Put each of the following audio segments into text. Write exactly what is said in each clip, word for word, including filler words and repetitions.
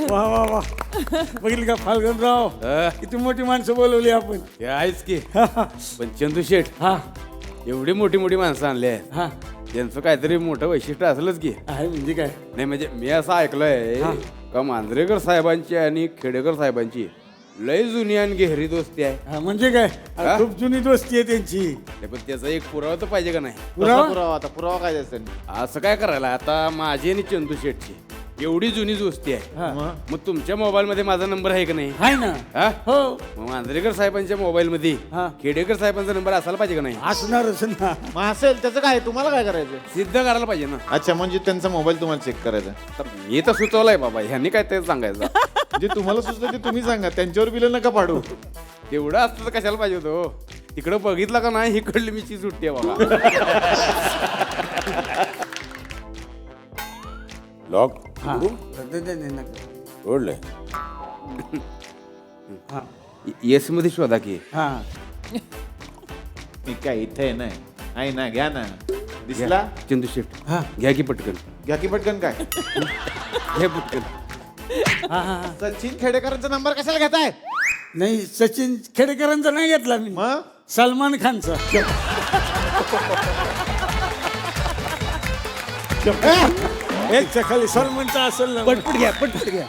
वा वा वा बघितलं का फाल्गुनराव किती मोठी माणसं बोलवली आपण. हे आहेच की पण चंदू शेठ हा एवढी मोठी मोठी माणसं आणली आहेत हा त्यांचं काहीतरी मोठं वैशिष्ट्य असलंच की. आहे म्हणजे काय? नाही म्हणजे मी असं ऐकलंय का मांजरेकर साहेबांची आणि खेडेकर साहेबांची लय जुनी आणि गहरी दोस्ती आहे. हा म्हणजे काय? हा? खूप जुनी दोस्ती आहे त्यांची. नाही, पण त्याचा एक पुरावा तर पाहिजे का नाही. पुरावा? पुरावा आता पुरावा काय असेल? असं काय करायला आता माझी आणि चंदू शेठची एवढी जुनी दोस्ती आहे. हा. मग तुमच्या मोबाईल मध्ये माझा नंबर आहे का नाही? आहे ना. हा? हो मग मांजरेकर साहेबांच्या मोबाईल मध्ये हा. खेडेकर साहेबांचा नंबर असायला पाहिजे का नाही? असणारच ना. मग असेल त्याचं काय तुम्हाला काय करायचं? सिद्ध करायला पाहिजे ना. अच्छा म्हणजे त्यांचा मोबाईल तुम्हाला चेक करायचा. तर मी तर सुचवलंय बाबा ह्यांनी काय ते सांगायचं. जे तुम्हाला सुचलं ते तुम्ही सांगा, त्यांच्यावर बिल नका पाडू. तेवढं असतं तर कशाला पाहिजे होतो. तिकडं बघितलं का नाही ही कळली मी सुट्टी आहे बाबा. लॉक हा. दे- दे- दे नका. ओढलंय. हा येस मध्ये शोधा की. हा मी काय इथे नाही आहे ना, घ्या ना. दिसला? चंदू शेठ हा घ्या की पटकन. घ्या की पटकन. काय घ्या पटकन. हा हा सचिन खेडेकरांचा नंबर कशाला घेताय? नाही सचिन खेडेकरांचा नाही घेतला मी. मग सलमान खानचा. एकच्या खाली सलमानचा असेल ना. पटपट घ्या पटपट घ्या.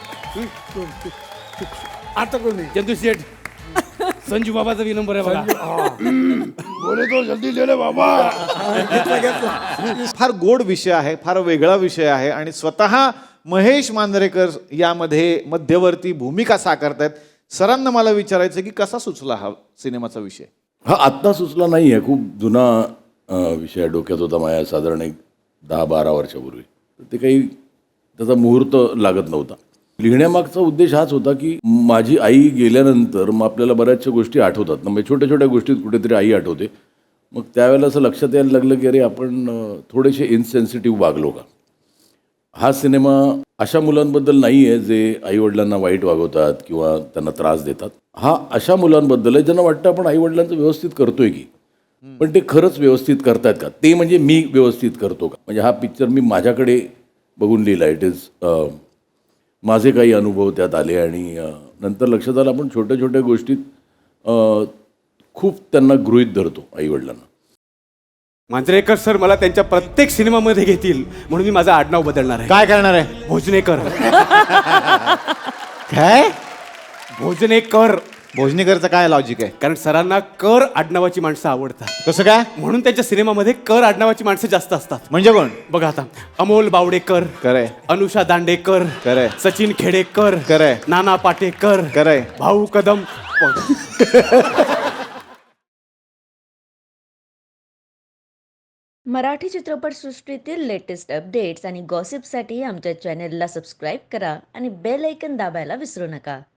आता कोणी? चंदू शेठ संजू बाबाचा बी नंबर आहे बघा. बोले तो जल्दी ले ले बाबा. घेतला घेतला. फार गोड विषय आहे, फार वेगळा विषय आहे आणि स्वतः महेश मांजरेकर यामध्ये मध्यवर्ती भूमिका साकारतायत. सरांना मला विचारायचं की कसा सुचला हा सिनेमाचा विषय? हा आत्ता सुचला नाही आहे, खूप जुना अं, विषय डोक्यात होता माझ्या साधारण एक दहा बारा वर्षापूर्वी. तर ते काही त्याचा मुहूर्त लागत नव्हता. लिहिण्यामागचा उद्देश हाच होता की माझी आई गेल्यानंतर मग आपल्याला बऱ्याचशा गोष्टी आठवतात ना, म्हणजे छोट्या छोट्या गोष्टीत कुठेतरी आई आठवते. मग त्यावेळेला असं लक्षात यायला लागलं की अरे आपण अं, थोडेसे इनसेन्सिटिव्ह वागलो का. हा सिनेमा अशा मुलांबद्दल नाही आहे जे आईवडिलांना वाईट वागवतात किंवा त्यांना त्रास देतात. हा अशा मुलांबद्दल आहे ज्यांना वाटतं आपण आईवडिलांचं व्यवस्थित करतोय की, पण ते खरंच व्यवस्थित करतायत का, ते म्हणजे मी व्यवस्थित करतो का. म्हणजे हा पिक्चर मी माझ्याकडे बघून लिहिला. इट इज माझे काही अनुभव त्यात आले आणि अ, नंतर लक्षात आलं आपण छोट्या छोट्या गोष्टीत अ, खूप त्यांना गृहीत धरतो आईवडिलांना. मांजरेकर सर मला त्यांच्या प्रत्येक सिनेमामध्ये घेतील म्हणून मी माझं आडनाव बदलणार आहे. काय करणार आहे? भोजनेकर. काय भोजनेकर. भोजनेकरचं काय लॉजिक आहे? कारण सरांना कर आडनावाची माणसं आवडतात कसं काय? म्हणून त्यांच्या सिनेमामध्ये कर आडनावाची माणसं जास्त असतात. म्हणजे कोण? बघा आता अमोल बावडेकर, खरंय अनुषा दांडेकर, खरंय सचिन खेडेकर, खरंय नाना पाटेकर, खरंय भाऊ कदम. मराठी चित्रपटसृष्टीतील लेटेस्ट अपडेट्स आणि गॉसिपसाठी आमच्या चॅनेलला सबस्क्राईब करा आणि बेल ऐकन दाबायला विसरू नका.